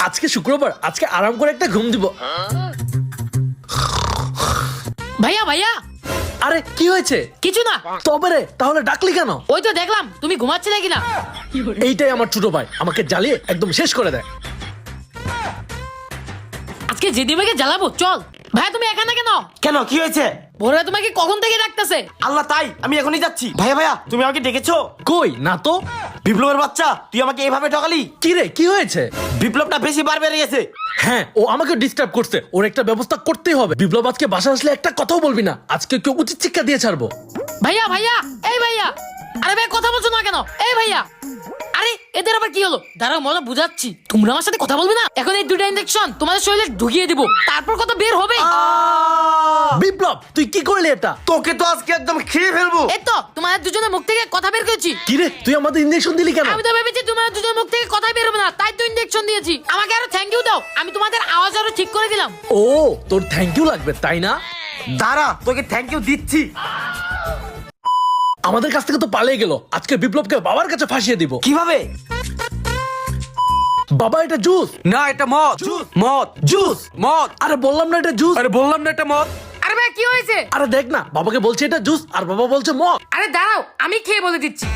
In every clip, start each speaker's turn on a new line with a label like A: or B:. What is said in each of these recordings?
A: আজকে শুক্রবার, আজকে আরাম করে একটা ঘুম দিব।
B: ভাইয়া ভাইয়া,
A: আরে কি হয়েছে?
B: কিছু না।
A: তবে রে, তাহলে ডাকলি কেন?
B: ওই তো দেখলাম তুমি ঘুমাচ্ছিলে কিনা।
A: এইটাই আমার ছোট ভাই, আমাকে জ্বালিয়ে একদম শেষ করে দেয়।
B: আজকে জেদিবাকে জ্বালাবো, চল। ভাইয়া তুমি এখানে কেন?
C: কেন, কি হয়েছে?
B: ভোররা তোমাকে কখন থেকে ডাকতেছে।
C: আল্লাহ, তাই আমি এখনই যাচ্ছি। ভাইয়া ভাইয়া, তুমি আমাকে ডেকেছো?
A: কই না তো।
C: বিপ্লবের বাচ্চা, তুই আমাকে এইভাবে ঠকালি।
A: কি রে, কি হয়েছে?
C: বিপ্লবটা বেশি বার বেড়ে গেছে।
A: হ্যাঁ, ও আমাকে ডিস্টার্ব করছে, ওর একটা ব্যবস্থা করতেই হবে। বিপ্লব আজকে বাসা আসলে একটা কথাও বলবি না, আজকে কেউ উচিত শিক্ষা দিয়ে ছাড়বো।
B: ভাইয়া ভাইয়া, এই ভাইয়া, আরে ভাই কথা বলছো না কেন? এই ভাইয়া, আরে এদের আবার কি হলো? দাঁড়াও মজা বুঝাচ্ছি। তোমরা আমার সাথে কথা বলবে না? এখন এই দুটো ইনজেকশন তোমাদের শরীরে ঢুকিয়ে দিব, তারপর কথা বের হবে।
A: বিপ্লব, তুই কি করলি এটা?
C: তোকে তো আজকে একদম খেয়ে ফেলবো।
B: এই তো তোমাদের দুজনের মুখ থেকে কথা বের করেছি।
A: কি রে, তুই আমাদের ইনজেকশন দিলি কেন?
B: আমি তো ভেবেছি তোমাদের দুজনের মুখ থেকে কথাই বের হবে না, তাই তো ইনজেকশন দিয়েছি। আমাকে আরো থ্যাংক ইউ দাও, আমি তোমাদের আওয়াজ আরো ঠিক করে দিলাম।
A: ও, তোর থ্যাংক ইউ লাগবে তাই না?
C: দাঁড়া, তোকে থ্যাংক ইউ দিচ্ছি।
A: আমাদের কাছ থেকে তো পালিয়ে গেল, আজকে বিপ্লবকে বাবার কাছে ফাঁসিয়ে দিব।
C: কিভাবে?
A: বাবা, এটা জুস।
D: না, এটা মদ। মদ,
A: জুস।
D: মদ।
A: আরে বললাম না এটা জুস।
D: আরে বললাম না এটা মদ।
B: আরে ভাই কি হয়েছে?
A: আরে দেখ না, বাবাকে বলছে এটা জুস আর বাবা বলছে মদ।
B: আরে দাঁড়াও, আমি খেয়ে বলে দিচ্ছি।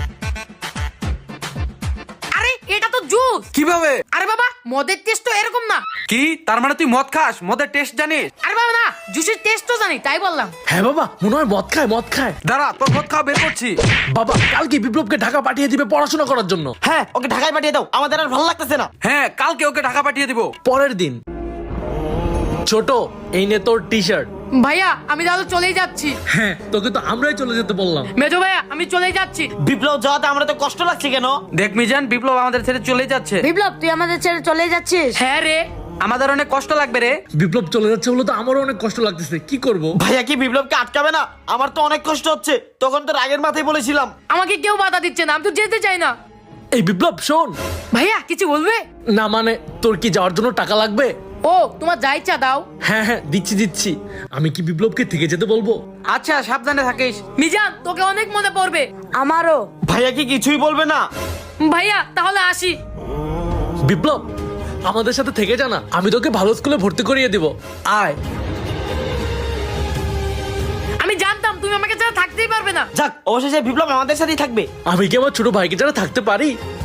B: আরে এটা তো জুস।
D: কিভাবে?
B: আরে বাবা, মদের টেস্ট তো এরকম না।
D: কি তার মানে তুই মদ খাস? মদের টেস্ট জানিস?
B: আরে বাবা না, জুসের টেস্ট তো জানি, তাই বললাম।
A: হ্যাঁ বাবা, মনে হয় মদ খায়, মদ খায়।
D: দাঁড়া, তোর মদ খাওয়া বের করছি।
A: বাবা, কালকে বিপ্লবকে ঢাকা পাঠিয়ে দিবে পড়াশোনা করার জন্য।
C: হ্যাঁ, ওকে ঢাকায় পাঠিয়ে দাও, আমাদের আর ভালো লাগতেছে না।
D: হ্যাঁ, কালকে ওকে ঢাকা পাঠিয়ে দিব।
A: পরের দিন। ছোট, এই নে তোর টি শার্ট।
B: ভাইয়া আমি তাহলে চলেই যাচ্ছি।
A: হ্যাঁ, তোকে তো আমরাই চলে যেতে বললাম।
B: মেজো ভাইয়া আমি চলেই যাচ্ছি।
C: বিপ্লব যাওয়াতে আমরা তো কষ্ট লাগছে কেন?
D: দেখ মিজান, বিপ্লব আমাদের ছেড়ে চলে যাচ্ছে।
E: বিপ্লব তুই আমাদের ছেড়ে চলে যাচ্ছিস?
B: হ্যাঁ রে।
D: আমাদের অনেক কষ্ট লাগবে রে।
A: বিপ্লব চলে যাচ্ছে বলে তো আমারও অনেক কষ্ট লাগতেছে, কি করব?
C: ভাইয়া কি বিপ্লবকে আটকাবে না? আমার তো অনেক কষ্ট হচ্ছে, তখন তো রাগের মাথায় বলেছিলাম।
B: আমাকে কেউ বাধা দিচ্ছে না, আমি তো যেতে চাই না।
A: এই বিপ্লব শোন।
B: ভাইয়া কিছু বলবে?
A: না মানে, তোর কি যাওয়ার জন্য টাকা লাগবে?
B: ও তোমার যা ইচ্ছা দাও।
A: হ্যাঁ হ্যাঁ, দিচ্ছি দিচ্ছি। আমি কি বিপ্লবকে থেকে যেতে বলবো?
D: আচ্ছা, সাবধানে থাকিস।
B: মিজান তোকে অনেক মনে পড়বে।
E: আমারও।
C: ভাইয়া কি কিছুই বলবে না?
B: ভাইয়া তাহলে আসি।
A: বিপ্লব, আমাদের সাথে থেকে জানা, আমি তোকে ভালো স্কুলে ভর্তি করিয়ে দিব। আয়।
B: আমি জানতাম তুমি আমাকে ছাড়া থাকতেই পারবে না।
C: যাক, অবশেষে বিপ্লব আমাদের সাথেই থাকবে।
A: আমি কি আমার ছোট ভাইকে ছাড়া থাকতে পারি?